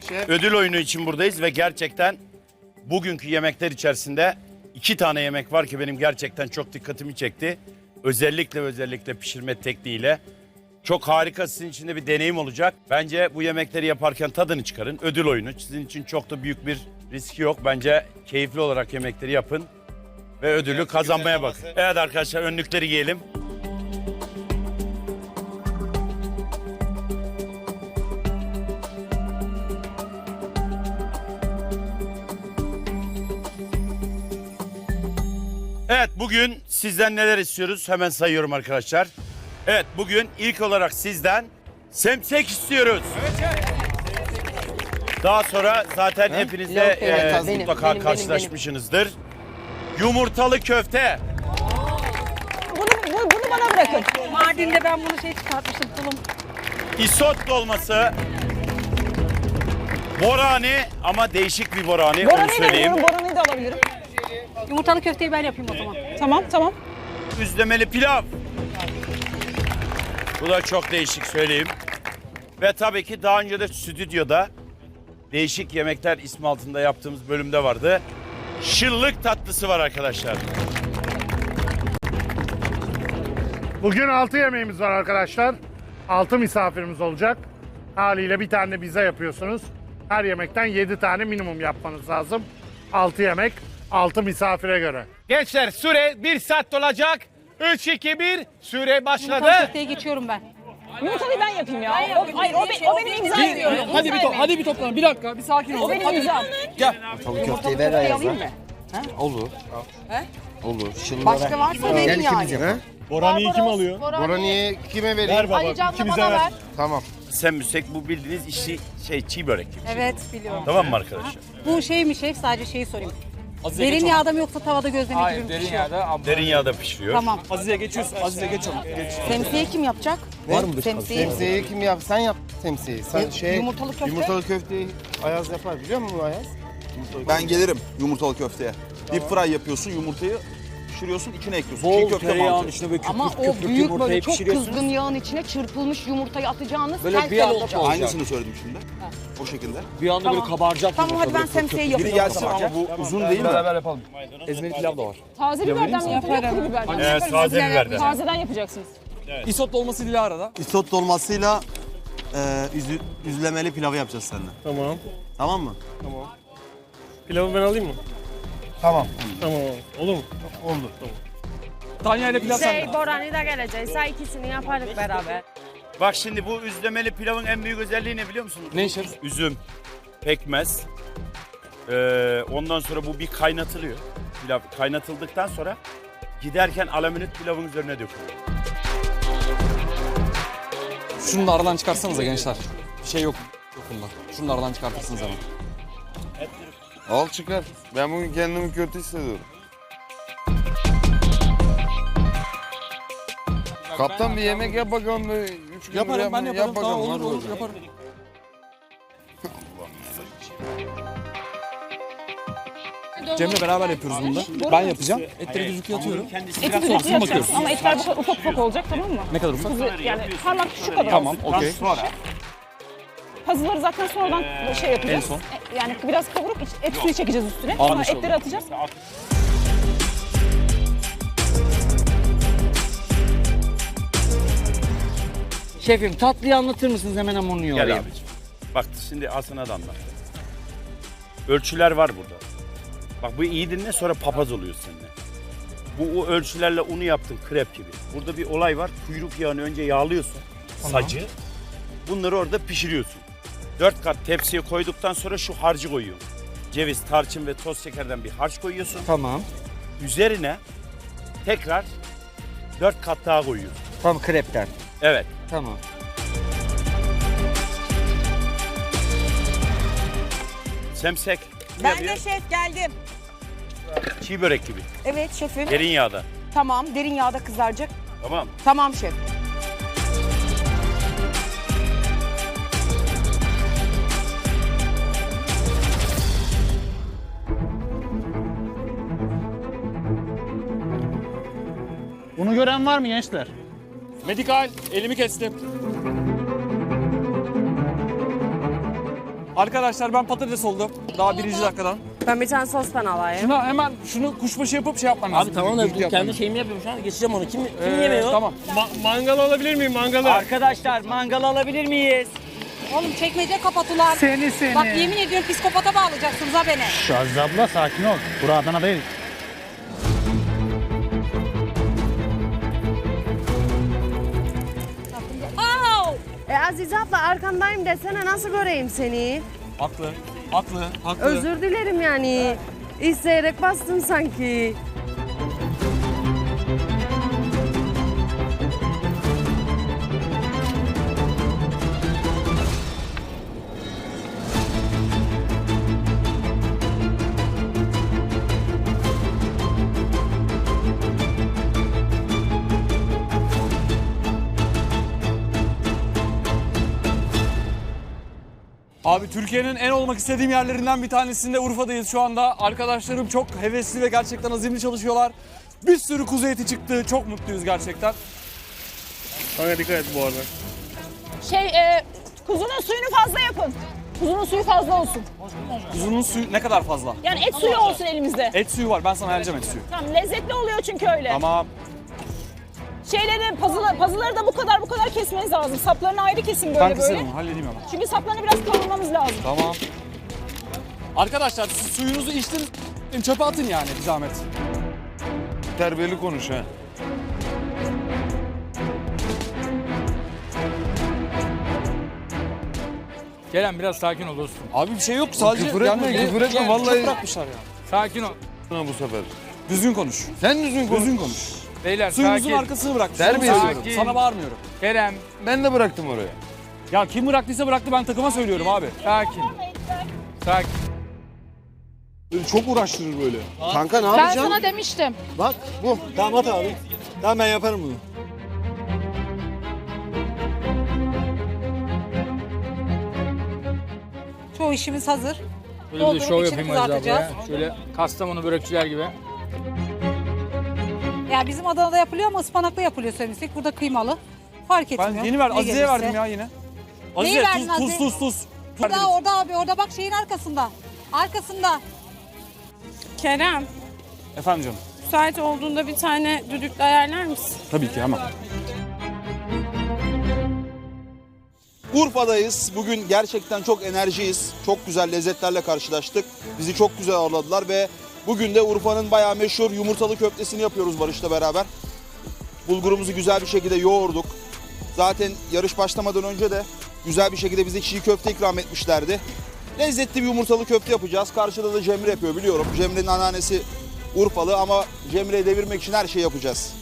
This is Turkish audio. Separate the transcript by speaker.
Speaker 1: ödül oyunu için buradayız ve gerçekten bugünkü yemekler içerisinde 2 tane yemek var ki benim gerçekten çok dikkatimi çekti. Özellikle pişirme tekniğiyle. Çok harika, sizin için de bir deneyim olacak. Bence bu yemekleri yaparken tadını çıkarın. Ödül oyunu. Sizin için çok da büyük bir riski yok. Bence keyifli olarak yemekleri yapın ve ödülü kazanmaya bakın. Evet arkadaşlar, önlükleri giyelim. Evet, bugün sizden neler istiyoruz? Hemen sayıyorum arkadaşlar. Evet, bugün ilk olarak sizden semsek istiyoruz. Daha sonra zaten hepinizle mutlaka karşılaşmışsınızdır. Yumurtalı köfte.
Speaker 2: Bunu bana bırakın.
Speaker 3: Mardin'de ben bunu çıkartmıştım tulum.
Speaker 1: Isot dolması. Borani ama değişik bir borani, onu
Speaker 2: Boranıyı da
Speaker 1: söyleyeyim.
Speaker 2: biliyorum, Boranıyı da alabilirim.
Speaker 3: Yumurtalı köfteyi ben yapayım o zaman.
Speaker 2: Tamam.
Speaker 1: Üzlemeli pilav. Bu da çok değişik, söyleyeyim. Ve tabii ki daha önce de stüdyoda değişik yemekler ismi altında yaptığımız bölümde vardı. Şıllık tatlısı var arkadaşlar.
Speaker 4: Bugün 6 yemeğimiz var arkadaşlar. 6 misafirimiz olacak. Haliyle bir tane bize yapıyorsunuz. Her yemekten 7 tane minimum yapmanız lazım. 6 yemek, 6 misafire göre.
Speaker 5: Gençler süre 1 saat olacak. 3, 2, 1 süre başladı.
Speaker 3: Yumurtalı köfteye geçiyorum ben.
Speaker 2: Yumurtalıyı ben yapayım ya. O benim imzam.
Speaker 6: Hadi bir toplanın. Bir dakika, bir sakin olun.
Speaker 2: O benim imzam.
Speaker 7: Tavuk köfteyi ver Ayaz'a. Olur. Olur. Başka varsa verin yani.
Speaker 4: Borani'yi kim alıyor?
Speaker 7: Borani'yi kime vereyim?
Speaker 4: Ver baba,
Speaker 3: Ali Can'la
Speaker 4: ikimize
Speaker 3: bana
Speaker 4: ver.
Speaker 3: ver.
Speaker 7: Tamam.
Speaker 1: Semmüsek bu bildiğiniz çiğ börek gibi.
Speaker 3: Evet biliyorum.
Speaker 1: Tamam mı arkadaşlar?
Speaker 3: Bu şey mi şef? Sadece şeyi sorayım. Derin yağda mı yoksa tavada gözleme gibi
Speaker 6: Hayır,
Speaker 3: mi
Speaker 6: derin
Speaker 3: pişiyor?
Speaker 6: yağda.
Speaker 1: Derin yağda pişiriyor.
Speaker 3: Tamam.
Speaker 6: Azize geçiyorsun. Azize geç onu. Geç.
Speaker 7: Temsiyi kim yapacak? Var mı temsiyi kim yap? Sen yap temsiyi. Sen
Speaker 2: Yumurtalı köfte.
Speaker 7: Yumurtalı köfteyi Ayaz yapar biliyor musun Ayaz?
Speaker 8: Ben gelirim yumurtalı köfteye. Deep fry yapıyorsun, yumurtayı pişiriyorsun, içine ekliyorsun.
Speaker 6: Bol
Speaker 8: Çiğ köfte
Speaker 6: tereyağın
Speaker 8: mantığı.
Speaker 6: içine böyle
Speaker 9: Ama
Speaker 6: köpük köpük
Speaker 9: o büyük
Speaker 6: yumurtayı
Speaker 9: böyle çok
Speaker 6: pişiriyorsunuz.
Speaker 9: kızgın yağın içine çırpılmış yumurtayı atacağınız
Speaker 6: Böyle bir
Speaker 9: tel
Speaker 6: anda
Speaker 9: olacak.
Speaker 6: olacak.
Speaker 8: Aynısını söyledim şimdi. O şekilde.
Speaker 6: Bir anda böyle kabaracak.
Speaker 9: Tamam hadi ben
Speaker 6: yumurta, böyle
Speaker 9: semseyi
Speaker 8: Biri
Speaker 9: yapıyorum.
Speaker 8: gelsin ama bu uzun değil mi?
Speaker 6: Beraber yapalım. Ezmeli pilav da var.
Speaker 2: Taze biberden mi yapacak, kuru biberden mi?
Speaker 1: Evet, taze biberden.
Speaker 2: Tazeden yapacaksınız.
Speaker 6: Isot dolması Dilara'da.
Speaker 7: Isot dolmasıyla üzlemeli pilavı yapacağız seninle.
Speaker 4: Tamam.
Speaker 7: Tamam mı?
Speaker 4: Pilavı ben alayım mı?
Speaker 7: Tamam.
Speaker 4: Tamam. Olur mu?
Speaker 7: Oldu.
Speaker 6: Tanya ile pilav sende.
Speaker 3: Borani da gelecekse ikisini yaparız beraber.
Speaker 1: Bak şimdi bu üzlemeli pilavın en büyük özelliği ne biliyor musunuz?
Speaker 6: Ne şef?
Speaker 1: Üzüm, pekmez. Ondan sonra bu bir kaynatılıyor. Pilav kaynatıldıktan sonra giderken alaminat pilavın üzerine dökülüyor.
Speaker 6: Şunu da aradan çıkarsanıza gençler. Bir şey yok. Yok bunda. Şunu da aradan çıkartırsınız hemen.
Speaker 7: Al çıkar. Ben bugün kendimi kötü hissediyorum. Kaptan bir yemek yap bakalım. 3 gün
Speaker 6: Yaparım ben yaparım. Tamam olur
Speaker 7: hadi
Speaker 6: olur
Speaker 7: bakalım.
Speaker 6: yaparım. Cem'le beraber yapıyoruz bunu da. Ben yapacağım. Etleri düzlükle atıyorum.
Speaker 2: Eti düzlükle yapacaksın ama etler bu kadar ufak ufak olacak, tamam mı?
Speaker 6: Ne kadar ufak?
Speaker 2: Yani parmak şu kadar.
Speaker 6: Tamam okey.
Speaker 2: Pazıları zaten sonradan şey yapacağız.
Speaker 6: En son.
Speaker 2: Yani biraz kavurup et suyu çekeceğiz üstüne. Sonra
Speaker 6: Anlaşıldı.
Speaker 2: etleri atacağız.
Speaker 10: Şefim tatlıyı anlatır mısınız hemen hamurunu
Speaker 1: Gel
Speaker 10: yoğurayım.
Speaker 1: abicim. Bak şimdi Aslı'na da anlat. Ölçüler var burada. Bak bu iyi dinle, sonra papaz oluyor seninle. Bu o ölçülerle unu yaptın krep gibi. Burada bir olay var. Kuyruk yağını önce yağlıyorsun. Sacı. Bunları orada pişiriyorsun. 4 kat tepsiye koyduktan sonra şu harcı koyuyorsun. Ceviz, tarçın ve toz şekerden bir harç koyuyorsun.
Speaker 10: Tamam.
Speaker 1: Üzerine tekrar 4 kat daha koyuyorsun.
Speaker 10: Tamam krepten.
Speaker 1: Evet.
Speaker 10: Tamam.
Speaker 1: Semsek.
Speaker 9: Ben de şef geldim.
Speaker 1: Çiğ börek gibi.
Speaker 9: Evet şefim.
Speaker 1: Derin yağda.
Speaker 9: Tamam derin yağda kızaracak.
Speaker 1: Tamam.
Speaker 9: Tamam şef.
Speaker 4: Bunu gören var mı gençler?
Speaker 6: Medikal elimi kestim. Arkadaşlar ben patates oldum. Daha 1. dakikadan.
Speaker 9: Ben bir tane sostan alayım.
Speaker 6: Şuna hemen şunu kuşbaşı yapıp şey yapman lazım.
Speaker 10: Abi tamam da
Speaker 6: Düdüklü yapman
Speaker 10: kendi
Speaker 6: lazım.
Speaker 10: şeyimi yapıyorum şu an. Geçeceğim onu. Kim yemiyor?
Speaker 6: Tamam.
Speaker 5: Mangal alabilir miyim mangalı?
Speaker 10: Arkadaşlar mangal alabilir miyiz?
Speaker 3: Oğlum çekmece kapattılar.
Speaker 4: Seni.
Speaker 3: Bak yemin ediyorum psikopata bağlayacaksınız ha beni.
Speaker 4: Şu Aziz abla sakin ol. Bura Adana değil.
Speaker 9: Azize abla arkandayım desene nasıl göreyim seni?
Speaker 6: Haklı. Haklı. Haklı.
Speaker 9: Özür dilerim yani. İsteyerek bastın sanki.
Speaker 6: Abi Türkiye'nin en olmak istediğim yerlerinden bir tanesinde Urfa'dayız şu anda. Arkadaşlarım çok hevesli ve gerçekten azimli çalışıyorlar. Bir sürü kuzu eti çıktı. Çok mutluyuz gerçekten.
Speaker 5: Kanka dikkat et bu arada.
Speaker 2: Kuzunun suyunu fazla yapın. Kuzunun suyu fazla olsun.
Speaker 6: Kuzunun suyu ne kadar fazla?
Speaker 2: Yani et suyu olsun elimizde.
Speaker 6: Et suyu var. Ben sana ayarlayacağım et suyu.
Speaker 2: Tamam, lezzetli oluyor çünkü öyle.
Speaker 6: Tamam.
Speaker 2: Pazıları da bu kadar kesmeniz lazım. Saplarını ayrı kesin böyle
Speaker 6: Ben
Speaker 2: böyle.
Speaker 6: kısarım. Halledeyim hemen.
Speaker 2: Çünkü saplarını biraz kavurmamız lazım.
Speaker 6: Tamam. Arkadaşlar siz suyunuzu içtiniz. Çöpe atın yani bir zahmet.
Speaker 5: Terbiyeli konuş ha.
Speaker 11: Kerem biraz sakin ol dostum.
Speaker 6: Abi bir şey yok. Sadece
Speaker 5: Küfür etme, küfür etme.
Speaker 6: yani
Speaker 5: Vallahi-
Speaker 6: Çok bırakmışlar ya.
Speaker 11: Sakin ol.
Speaker 5: Bu sefer.
Speaker 6: Düzgün konuş.
Speaker 5: Sen düzgün konuş.
Speaker 6: Düzgün konuş.
Speaker 11: Beyler
Speaker 6: Suyumuzun
Speaker 11: sakin.
Speaker 6: arkasını bırakmışlar.
Speaker 5: Terbiye
Speaker 6: Onu
Speaker 5: ediyorum.
Speaker 6: söylüyorum. Sana bağırmıyorum.
Speaker 11: Kerem
Speaker 5: Ben de bıraktım oraya.
Speaker 6: Ya kim bıraktıysa bıraktı, ben takıma söylüyorum abi.
Speaker 11: sakin. Sakin.
Speaker 5: Çok uğraştırır böyle.
Speaker 7: Kanka ne
Speaker 2: Ben
Speaker 7: yapacaksın?
Speaker 2: sana demiştim.
Speaker 7: Bak bu. Tamam at abi. Tamam ben yaparım bunu.
Speaker 3: Çoğu işimiz hazır.
Speaker 11: Böyle bir de
Speaker 3: Doldurup
Speaker 11: şov
Speaker 3: içini
Speaker 11: yapayım Aziz
Speaker 3: kızartacağız.
Speaker 11: ablaya. Şöyle Kastamonu börekçiler gibi.
Speaker 3: Ya bizim Adana'da yapılıyor ama ıspanaklı yapılıyor söylemiştik. Burada kıymalı. Fark etmiyor.
Speaker 6: Ben yeni ver,
Speaker 3: Ne
Speaker 6: Azize'ye
Speaker 3: gelirse.
Speaker 6: verdim ya yine.
Speaker 3: Neyi
Speaker 6: Azize
Speaker 3: verdin
Speaker 6: tuz,
Speaker 3: Azize?
Speaker 6: tuz.
Speaker 3: Orada abi orada bak şeyin arkasında. Arkasında.
Speaker 9: Kerem,
Speaker 6: Efendim canım.
Speaker 9: müsait olduğunda bir tane düdüklü ayarlar mısın?
Speaker 6: Tabii ki hemen.
Speaker 8: Urfa'dayız. Bugün gerçekten çok enerjiyiz. Çok güzel lezzetlerle karşılaştık. Bizi çok güzel ağırladılar ve bugün de Urfa'nın bayağı meşhur yumurtalı köftesini yapıyoruz Barış'la beraber. Bulgurumuzu güzel bir şekilde yoğurduk. Zaten yarış başlamadan önce de güzel bir şekilde bize çiğ köfte ikram etmişlerdi. Lezzetli bir yumurtalı köfte yapacağız. Karşıda da Cemre yapıyor biliyorum. Cemre'nin anneannesi Urfalı ama Cemre'yi devirmek için her şeyi yapacağız.